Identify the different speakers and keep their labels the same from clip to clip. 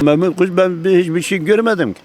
Speaker 1: Mehmet Kuş ben hiçbir şey görmedim ki.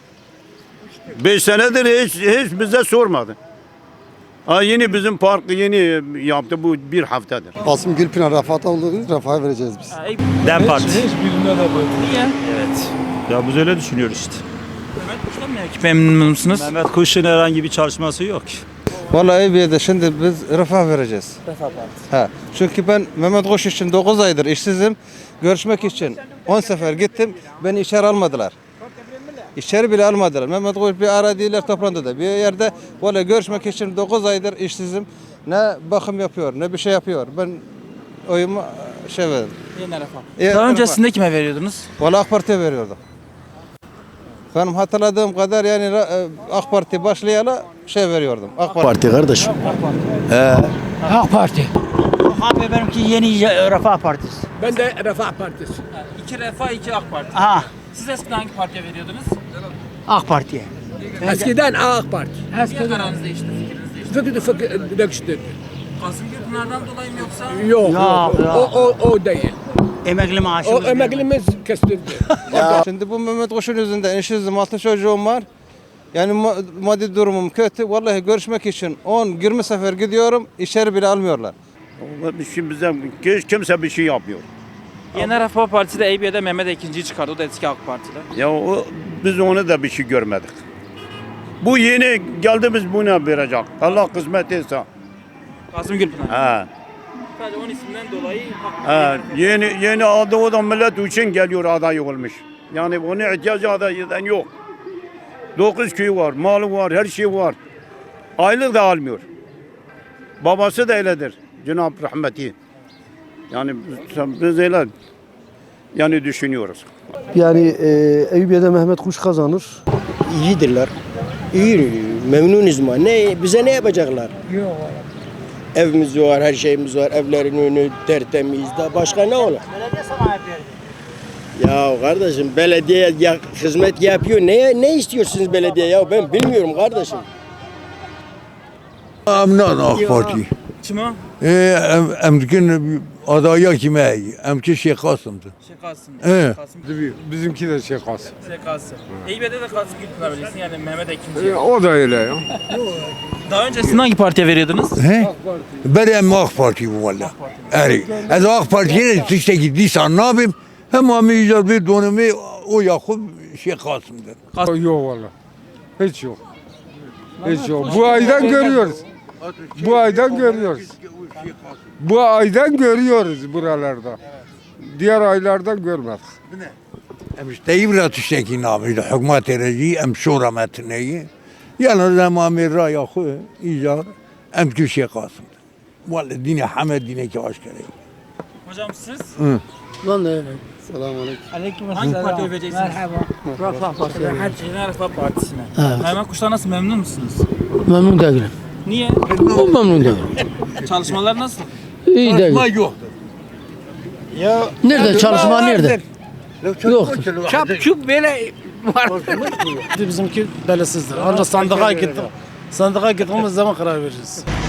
Speaker 1: 5 senedir hiç bize sormadı. Ha yeni bizim parkı yeni yaptı bu bir haftadır.
Speaker 2: Kasım Gülpınar Refah'ta olduğunu Refah'a vereceğiz biz.
Speaker 3: DEM Parti.
Speaker 4: Hiçbirine de böyle.
Speaker 3: Niye?
Speaker 5: Evet. Ya biz öyle düşünüyoruz işte.
Speaker 3: Mehmet Kuş'tan mı memnun musunuz?
Speaker 5: Mehmet Kuş'un herhangi bir çalışması yok.
Speaker 6: Vallahi Eyüpiye'de şimdi biz Refah vereceğiz.
Speaker 3: Refah Partisi.
Speaker 6: Ha. Çünkü ben Mehmet Kuş için 9 aydır işsizim. Görüşmek için 10 sefer gittim. Beni içeri almadılar. İçeri bile almadılar. Mehmet Kuş bir aradılar toplantıda. Bir yerde vallahi görüşmek için 9 aydır işsizim. Ne bakım yapıyor ne bir şey yapıyor. Ben oyumu verdim.
Speaker 3: Yeni Refah.
Speaker 6: Refah.
Speaker 3: Daha öncesinde kime veriyordunuz?
Speaker 6: Vallahi AK Parti'ye veriyordum. Benim hatırladığım kadar yani AK Parti başlayalı veriyordum. AK Parti.
Speaker 7: Kardeşim.
Speaker 8: AK Parti.
Speaker 7: Abi benimki yeni Refah Partisi.
Speaker 4: Ben de Refah Partisi.
Speaker 3: İki Refah, iki AK Parti.
Speaker 7: Ha,
Speaker 3: Siz eskiden hangi partiye veriyordunuz?
Speaker 7: AK Parti'ye.
Speaker 4: Eskiden AK Parti.
Speaker 3: Niye kararınız değişti, fikriniz değişti?
Speaker 4: Fikri değiştirdi.
Speaker 3: Kasım Gürpınar'dan dolayı mı yoksa?
Speaker 4: Yok.
Speaker 7: Yok.
Speaker 4: O değil.
Speaker 7: Emekli
Speaker 4: O
Speaker 7: maaşımız.
Speaker 4: emeklimiz kestirdi.
Speaker 6: Şimdi bu Mehmet Kuş'un yüzünden işsizim, 6 çocuğum var. Yani maddi durumum kötü. Vallahi görüşmek için 10-20 sefer gidiyorum, içeri bile almıyorlar.
Speaker 1: Bir şey bize hiç kimse bir şey yapmıyor.
Speaker 3: Yeni Refah Partisi de Eyüpiye'de Mehmet Ekinci'yi çıkardı. O da eski AK Parti'de.
Speaker 1: Ya biz onu da bir şey görmedik. Bu yeni geldi biz buna verecek. Allah kısmet etse.
Speaker 3: Kasım Gürpınar.
Speaker 1: Ha.
Speaker 3: Sadece onun isminden dolayı
Speaker 1: Ha. Yeni adı o da millet için geliyor aday olmuş. Yani onun ihtiyacı adaydan yok. 9 köyü var, malı var, her şey var. Aylık da almıyor. Babası da öyledir. Cenab-ı Rahmeti. Yani biz öyle yani düşünüyoruz.
Speaker 9: Yani Eyüpiye'de Mehmet Kuş kazanır.
Speaker 10: İyidirler. İyi, memnunuz mu? Bize ne yapacaklar?
Speaker 8: Yok.
Speaker 10: Evimiz var, her şeyimiz var. Evlerin önü tertemiz. Da başka ne olur?
Speaker 7: Belediye sana verdi.
Speaker 10: Ya kardeşim belediye hizmet yapıyor. Ne istiyorsunuz belediye ya? Ben bilmiyorum kardeşim.
Speaker 11: Amnan AK Parti.
Speaker 3: kim o?
Speaker 11: Emkin adaya kime? Emki Şeyh Kasım'dı.
Speaker 3: Kasım.
Speaker 11: Kasım.
Speaker 4: Bizimki de şey Kasım.
Speaker 3: Kasım. Eyüpiye'de de Kasım Gürpınar bilirsin yani Mehmet Ekinci.
Speaker 4: O da öyle ya.
Speaker 3: Daha öncesinde hangi partiye veriyordunuz?
Speaker 11: He? Ben AK Parti bu valla. Evet. Az AK Parti'ye işte gittiysen ne yapayım? Hem amiyeceğiz bir dönemi o Yakup Şeyh Kasım'dır.
Speaker 4: Yok valla. Hiç yok. Hiç yok. Bu aydan görüyoruz. Bu aydan görüyoruz. Bu aydan görüyoruz buralarda. Diğer aylardan görmedik.
Speaker 11: Devlet işteki namıydı. Hükümet ereci em şura metneyi. Yani zamanı Yakup icar emki Şeyh Kasım'dır. Valla dine Hamed dine ki aşkare.
Speaker 3: Hocam siz?
Speaker 9: Ben de öyle.
Speaker 8: Aleyküm
Speaker 3: Hangi partiye vereceksiniz?
Speaker 8: Merhaba. Refah Partisi.
Speaker 3: Yeni Refah Partisi'ne.
Speaker 9: Evet.
Speaker 3: Mehmet Kuş'tan nasıl memnun musunuz?
Speaker 9: Memnun değilim.
Speaker 3: Niye?
Speaker 9: O memnun değilim.
Speaker 3: Çalışmalar nasıl?
Speaker 9: İyi değil.
Speaker 11: Yok.
Speaker 9: Nerede çalışma nerede? Yok.
Speaker 8: Çap böyle var.
Speaker 9: Bizimki belirsizdir. Ancak sandığa gittik. Sandığa gittiğimiz zaman karar vereceğiz.